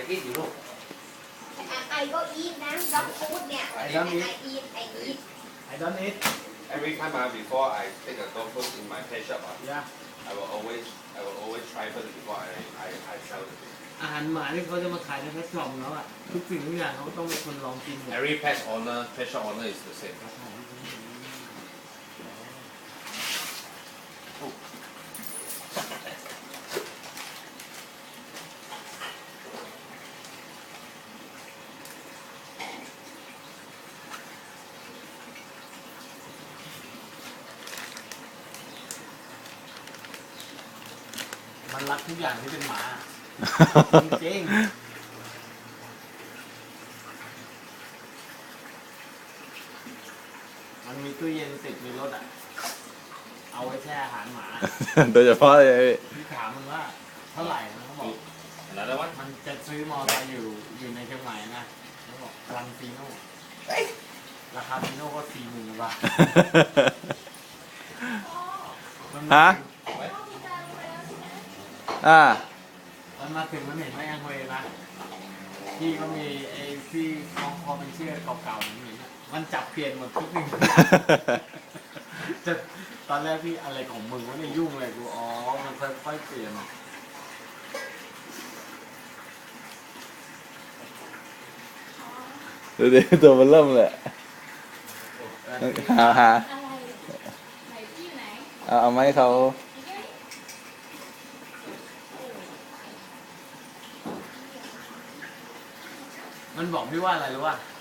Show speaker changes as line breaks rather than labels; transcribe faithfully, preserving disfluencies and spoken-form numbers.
eat อยู่ลูก
I go eat นะ dog food เนี่ย
I don't eat
I eat I eat
I don't eat
Every time uh, before I take a dog food in my pet shop, uh,
yeah
I will always I will always try first before I I, I sell it.
อาหารหมาที่เขาจะมาขายในแพลตฟอร์มแล้วอ่ะทุกสิ่งทุกอย่างเขาต้องเป็นคนลองกินหมด
Every pet owner, pet shop owner is the same.
มันรักทุกอย่างที่เป็นหมา จริงๆมันมีตู้เย็นติดในรถอ่ะ เอาไว้แช่อาหารหมา
โดยเฉพาะเลย
พี่ถามมันว่าเท่าไหร่นะเขาบอก
Another one?
มันจะซื้อมอเตอร์ไซค์อยู่อยู่ในเชียงใหม่นะเขาบอกรันฟีโน่ราคาฟีโน่ก็สี่หมื่นบาท
ฮะอ่า
มันมาถึงมันเห็นแม่งเวนะพี่ก็มีไอ้ที่คล้องคอเป็นเชือกเก่าๆอย่างนี้นะมันจับเปลี่ยนหมดทุกสิ่งทุกอย่างจะตอนแรกพี่อะไรของมึงวะเนี่ยยุ่งเลยกูอ๋อมันค่อยๆเปลี่ยน
ดูดิตัวมันเริ่มเลยหาหา
อะไรไหนพี่อยู่ไหน
เอาเอาไม้เขา
มันบอกพี่ว่าอะไรรู้ป่ะ